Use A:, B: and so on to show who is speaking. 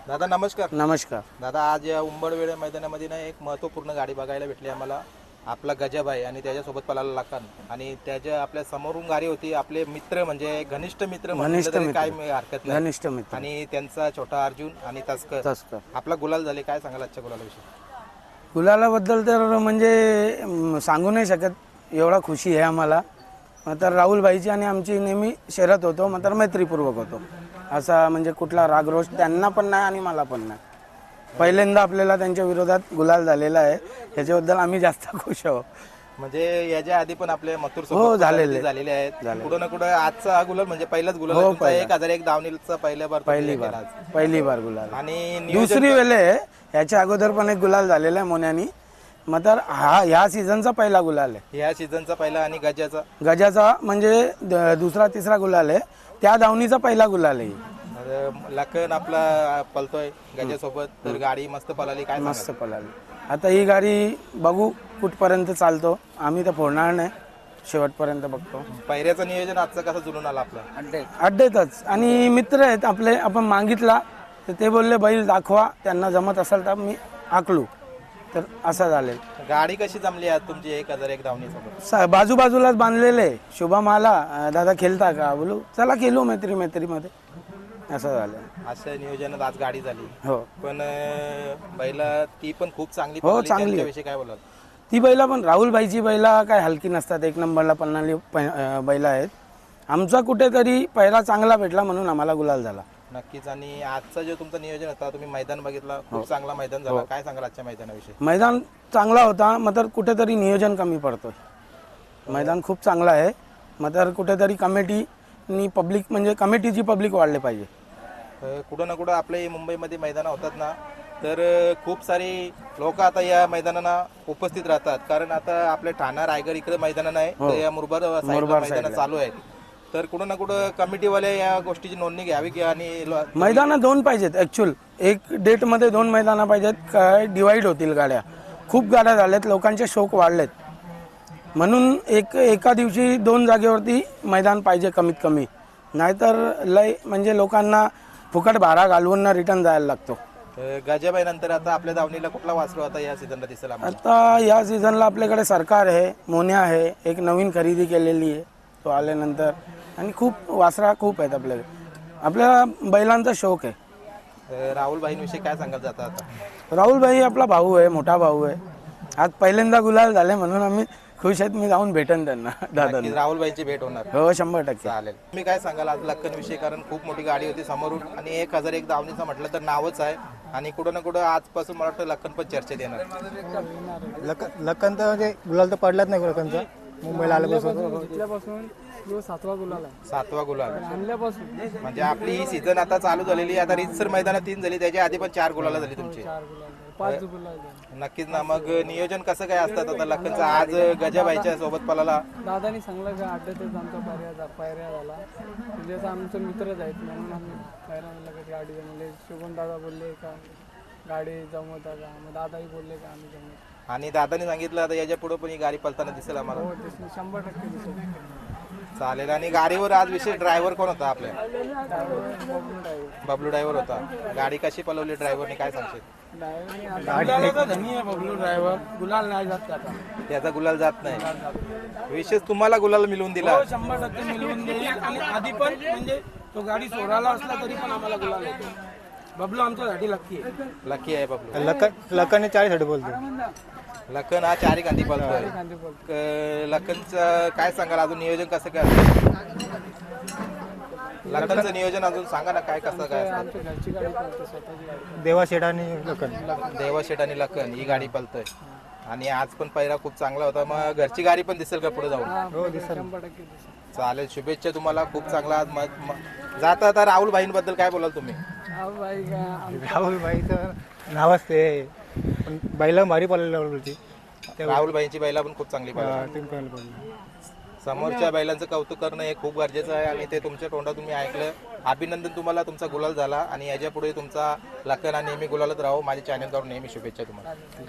A: दादा नमस्कार.
B: नमस्कार.
A: दादा आज या उंबरवेढे मैदानामध्ये ना एक महत्त्वपूर्ण गाडी बघायला भेटली आम्हाला. आपला गजाभाई आणि त्याच्यासोबत पळाला लखन आणि त्याच्या आपल्या समोरून गाडी होती आपले मित्र म्हणजे घनिष्ठ मित्र म्हटलं तरी काय हरकत नाही.
B: घनिष्ठ मित्र
A: आणि त्यांचा छोटा अर्जुन आणि तस्कर आपला गुलाल झाले. काय सांगाल आजच्या गुलालाविषयी?
B: गुलालाबद्दल तर म्हणजे सांगू नाही शकत, एवढा खुशी आहे आम्हाला. तर राहुल भाईची आणि आमची नेहमी शर्यत होतो, मात्र मैत्रीपूर्वक होतो. असा म्हणजे कुठला रागरोष त्यांना पण नाही आणि मला पण नाही. पहिल्यांदा आपल्याला त्यांच्या विरोधात गुलाल झालेला आहे, याच्याबद्दल आम्ही जास्त खुश आहोत.
A: म्हणजे याच्या आधी पण आपले मथुर
B: हो,
A: सोबत
B: झालेले
A: आहेत. कुठं ना कुठं आजचा हा गुलाल म्हणजे पहिलाच गुलाल आहे तुमचा. 1001 धावणीचा पहिली
B: बार गुलाल
A: आणि
B: दुसरी वेळे आहे. याच्या अगोदर पण एक गुलाल झालेला आहे मोन्यानी, मात्र हा ह्या सीझनचा पहिला गुलाल आहे.
A: या सीझनचा पहिला आणि
B: गजाचा म्हणजे दुसरा तिसरा गुलाल आहे. त्या धावणीचा पहिला गुलाल आहे.
A: लखन आपला पलतोय गजासोबत, तर गाडी मस्त पळाली. काय
B: मस्त पळाली. आता ही गाडी बघू कुठपर्यंत चालतो, आम्ही तर फोडणार नाही, शेवटपर्यंत बघतो.
A: पहिऱ्याचं नियोजन आजचं कसं जुळून आलं आपलं?
B: अड्डेतच आणि मित्र आहेत आपले, आपण मागितला तर ते बोलले बैल दाखवा, त्यांना जमत असेल तर मी आकलू, तर असं झाले.
A: गाडी कशी जमली आज तुमची 1001 धावणीसोबत?
B: बाजूबाजूलाच बांधलेले. शुभम आला, दादा खेळता का, बोलू चला खेळू मैत्रीमध्ये, असं झालं.
A: अशा नियोजनात आज गाडी झाली.
B: हो,
A: पण बैला ती पण खूप चांगली
B: हो, चांगली.
A: त्याविषयी काय बोलाल?
B: ती बैला पण राहुल भाईची बैला काय हलकी नसतात, एक नंबरला पळणारी बैला आहेत. आमचा कुठेतरी पहिला चांगला भेटला म्हणून आम्हाला गुलाल झाला.
A: नक्कीच. आणि आजचा जो तुमचा नियोजन होता, तुम्ही मैदान बघितला, खूप चांगला मैदान झाला. काय सांगाल आजच्या मैदानाविषयी?
B: मैदान चांगला होता, मात्र कुठेतरी नियोजन कमी पडतोय. मैदान खूप चांगला आहे, मात्र कुठेतरी कमिटीनी पब्लिक म्हणजे कमिटीची पब्लिक वाढले पाहिजे.
A: कुठं ना कुठं आपल्या मुंबईमध्ये मैदानं होतात ना, तर खूप सारी लोक आता या मैदानाला उपस्थित राहतात. कारण आता आपले ठाणा रायगड इकडे मैदान नाही, तर या मुरबाड मैदान चालू आहे. तर कुठं ना कुठं कमिटीवाले या गोष्टीची नोंदणी घ्यावी की आणि
B: मैदानं दोन पाहिजेत. ॲक्च्युअल एक डेटमध्ये 2 मैदानं पाहिजेत. काय डिवाईड होतील गाड्या, खूप गाड्या झाल्यात, लोकांचे शौक वाढलेत, म्हणून एका दिवशी 2 जागेवरती मैदान पाहिजे कमीत कमी. नाहीतर लय म्हणजे लोकांना फुकट भाडा घालवून रिटर्न जायला लागतो.
A: गजाबाई नंतर आता आपल्या दावणीला कुठला वासरू आता या सीझनला दिसेल आम्हाला?
B: आता या सीझनला आपल्याकडे सरकार आहे, मोन्या आहे, एक नवीन खरेदी केलेली आहे तो आल्यानंतर, आणि खूप वासरा खूप आहेत आपल्याकडे. आपल्या बैलांचा शौक आहे.
A: राहुल भाईंविषयी काय सांगाल जाता आता?
B: राहुल भाई आपला भाऊ आहे, मोठा भाऊ आहे. आज पहिल्यांदा गुलाल झाले म्हणून आम्ही खुश आहेत. मी जाऊन भेटेन त्यांना, दादा.
A: राहुल भाईची भेट होणार?
B: हो, 100%.
A: चालेल. तुम्ही काय सांगाल आज लक्कन विषयी? कारण खूप मोठी गाडी होती समोरून आणि 1001 धावणीचं म्हटलं तर नावच आहे, आणि कुठं ना कुठं आजपासून मला वाटतं लक्कन पण चर्चेत येणार.
C: लखन तर म्हणजे गुलाल तर पडलाच नाही लखनचा. मुंबईला
D: आल्यापासून 7वा गुलाल आहे.
A: 7वा गुलाल
D: आणल्यापासून
A: म्हणजे आपली ही सीझन आता चालू झालेली. आता रितसर मैदानात 3 झाली, त्याच्या आधी पण 4 गुलाला झाली तुमची.
D: 5 गुलाल.
A: नक्कीच ना. मग नियोजन कसं काय असतात आता लखनचं? आज गजाबाईच्या सोबत पळाला.
D: दादानी सांगलं का अड्ड्यातच आमचा पायऱ्या झाला, म्हणजे असं आमचे मित्रच आहेत म्हणून आम्ही पायऱ्या लगेच गाडी जमले. शुभम दादा बोलले का गाडी जमवता का, मग दादाही बोलले का आम्ही जमवतो.
A: आणि दादाने सांगितलं आता याच्या पुढे पण ही गाडी पळताना दिसेल आम्हाला.
D: हो, 100% दिसेल.
A: चालेल. आणि गाडीवर आज विशेष ड्रायव्हर कोण होता आपल्या? बबलू ड्रायव्हर होता. गाडी कशी पळवली ड्रायव्हरने, काय सांगशील?
B: बबलू ड्रायव्हर गुलाल नाही जात त्याचा.
A: त्याचा गुलाल जात नाही. विशेष तुम्हाला गुलाल मिळवून दिला.
B: 100% मिळवून देईल. आणि आधी पण म्हणजे तो गाडी सोडायला असला तरी पण आम्हाला गुलाल येतो. बबलू आमच्यासाठी लक्की आहे.
A: लकी आहे बबलू.
C: लखनने 40 बोलतो.
A: लखन हा 4 गांधी पळतोय. लखनचं काय सांगाल अजून नियोजन कसं काय असतं? लखनचं नियोजन अजून सांगा ना, काय कसं काय असतं?
D: आमच्या घरची गाडी पळते, स्वतःची गाडी.
C: देवाशेठ आणि लखन.
A: देवाशेठ आणि लखन ही गाडी पळतोय, आणि आज पण पहिला खूप चांगला होता. मग घरची गाडी पण दिसेल का पुढे जाऊन?
C: हो, दिसेल.
D: 100% दिसेल.
A: चालेल. शुभेच्छा तुम्हाला. खूप चांगला आज जाता आता राहुल भाईंबद्दल काय बोलाल तुम्ही?
D: भाई का
C: राहुल भाईचं नावच ते, पण बैला भारी पडलेला होती.
A: राहुल भाईंची बैला पण खूप चांगली पळाली. समोरच्या बैलांचं कौतुक करणं हे खूप गरजेचं आहे, आणि ते तुमच्या तोंडातून मी ऐकलं. अभिनंदन तुम्हाला, तुमचा गुलाल झाला, आणि याच्या पुढे तुमचा लखन हा नेहमी गुलालच राहो. माझ्या चॅनलवर नेहमी शुभेच्छा तुम्हाला.